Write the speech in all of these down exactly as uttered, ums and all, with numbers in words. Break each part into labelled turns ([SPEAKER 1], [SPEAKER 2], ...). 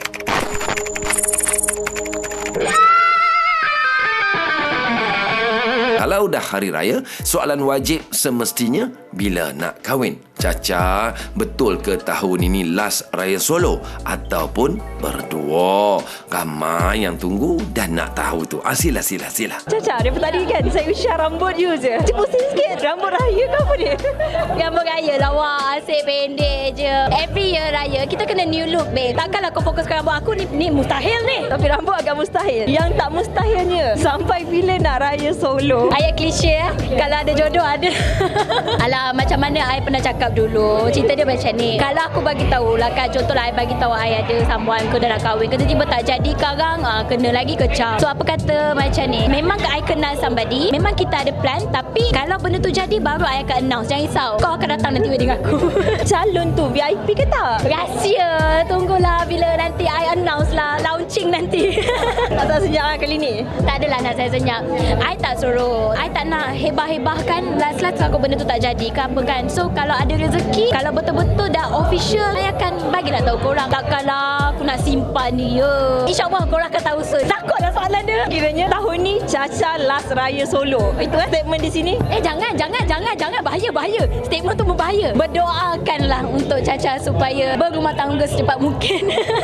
[SPEAKER 1] Kalau dah hari raya, soalan wajib semestinya bila nak kahwin. Caca, betul ke tahun ini last raya solo ataupun berdua? Ramai yang tunggu dan nak tahu tu. Ah, sila, sila, sila.
[SPEAKER 2] Caca, daripada tadi kan saya usia rambut you je. Cuba pusing sikit. Rambut raya ke apa ni?
[SPEAKER 3] Rambut raya lah, wah, asyik pendek je. Every year raya, kita kena new look, babe. Takkanlah kau fokuskan rambut aku ni, ni mustahil ni.
[SPEAKER 2] Tapi rambut agak mustahil. Yang tak mustahilnya, sampai bila nak raya solo?
[SPEAKER 3] Ayat klise eh. Kalau ada jodoh, ada. Alah, macam mana I pernah cakap dulu. Cerita dia macam ni. Kalau aku bagi tahu lah, kan, contohlah I bagi tahu I ada someone ke dah nak kahwin, tiba-tiba tak jadi sekarang, ah, kena lagi kecam. So apa kata macam ni, memang I kenal somebody, memang kita ada plan, tapi kalau benda tu jadi baru I akan announce. Jangan risau, kau akan datang nanti wedding aku.
[SPEAKER 2] Calon tu V I P ke tak?
[SPEAKER 3] Rahsia. Tunggulah bila nanti I announce lah, launching nanti.
[SPEAKER 2] Tak tahu senyap lah kali ni.
[SPEAKER 3] Tak adalah nak saya senyap. I tak suruh, I tak nak hebah-hebahkan. Last-last kalau benda tu tak jadi ke apa kan. So kalau ada rezeki, kalau betul-betul dah official, I akan bagilah tahu korang. Takkanlah aku nak simpan dia. InsyaAllah korang akan tahu soon. Takutlah soalan dia.
[SPEAKER 2] Kiranya tahun ni Caca last raya solo. Itu kan statement di sini.
[SPEAKER 3] Eh jangan, jangan, jangan, jangan. Bahaya, bahaya. Statement tu berbahaya. Berdoakanlah untuk Caca supaya berumah tangga secepat mungkin.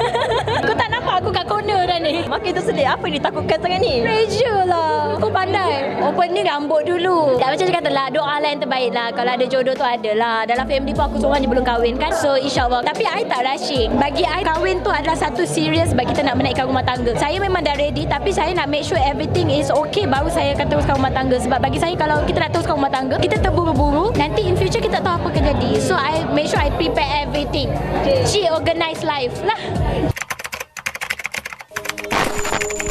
[SPEAKER 3] Kau tak nampak aku kat corner dah ni?
[SPEAKER 2] Makin tersedik. Apa yang ditakutkan sangat ni?
[SPEAKER 3] Pressure lah. Aku pandai. Opening rambut dulu. Tak macam dia kata lah, doa lah yang terbaik lah. Kalau ada jodoh tu ada lah. Dalam family pun aku seorang je belum kahwin kan. So insyaAllah. Tapi I tak rushing. Bagi I, kahwin tu adalah satu serius bagi kita nak menaikkan rumah tangga. Saya memang dah ready, tapi saya nak make sure everything is okay, baru saya akan teruskan rumah tangga. Sebab bagi saya, kalau kita nak teruskan rumah tangga, kita terburu-buru, nanti in future kita tahu apa akan jadi. So I make sure I prepare everything. She organize life lah.